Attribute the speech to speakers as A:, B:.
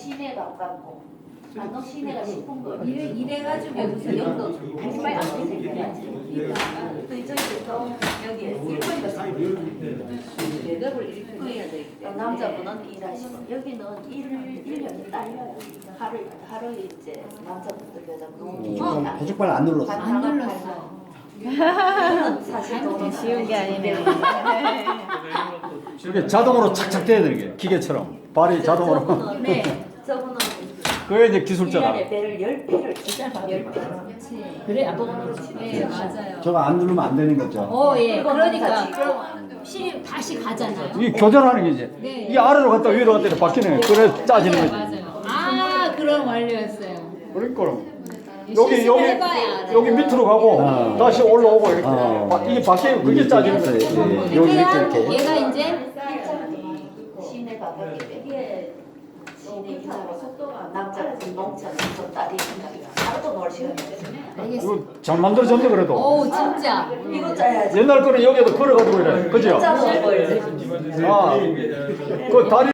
A: 시내 가깝고 안동 시내가 싶은 거.
B: 이래가지고 무슨 영도
A: 빨리 안 되니까.
B: 또 이쪽에서 여기 대답을 이렇게 해야 돼.
A: 남자분은 일하시고 여기는 일년이 딸려요. 하루 이제 남자분들 여자분들
C: 고속발 안 눌렀어.
B: 안 눌렀어.
A: 사실 저는
D: 쉬운 게 아니네.
E: 이렇게 자동으로 착착 돼야 되는 게 기계처럼 발이 자동으로.
A: 저분은
B: 네.
A: 저분은
E: 그게 이제 기술자다.
A: 1년에 배를 10배를 주잖아. 10배.
B: 그렇지.
A: 그래 안동으로
B: 네, 맞아요.
C: 저거 안 누르면 안 되는 거죠.
B: 예. 그러니까
A: 그거는
B: 그럼 실이 다시 가잖아요.
E: 이 교전하는 게 이제
B: 네.
E: 이게 아래로 갔다 위로 갔다 이렇게 바뀌는 거예요. 그래 짜지는 거지.
B: 맞아요. 아, 그런 원리였어요.
E: 그러니까
B: 시식을
E: 여기
B: 해봐야 알아요.
E: 여기 밑으로 가고 다시 올라오고 이렇게 이게 바뀌고 그게 짜지는 거지.
C: 여기 밑에 이렇게.
B: 얘가 이제
A: 시내 가깝기 때문에 시내 이사로 남자는 농촌 좀 딸이 하루도 놀 시간이 없어요.
E: 이거 잘 만들어졌네 그래도.
B: 오 진짜
A: 이거 짜야지.
E: 옛날 거는 여기에도 걸어가지고 이래. 그죠?
A: 짜서 먹어야지.
E: 아, 그 다리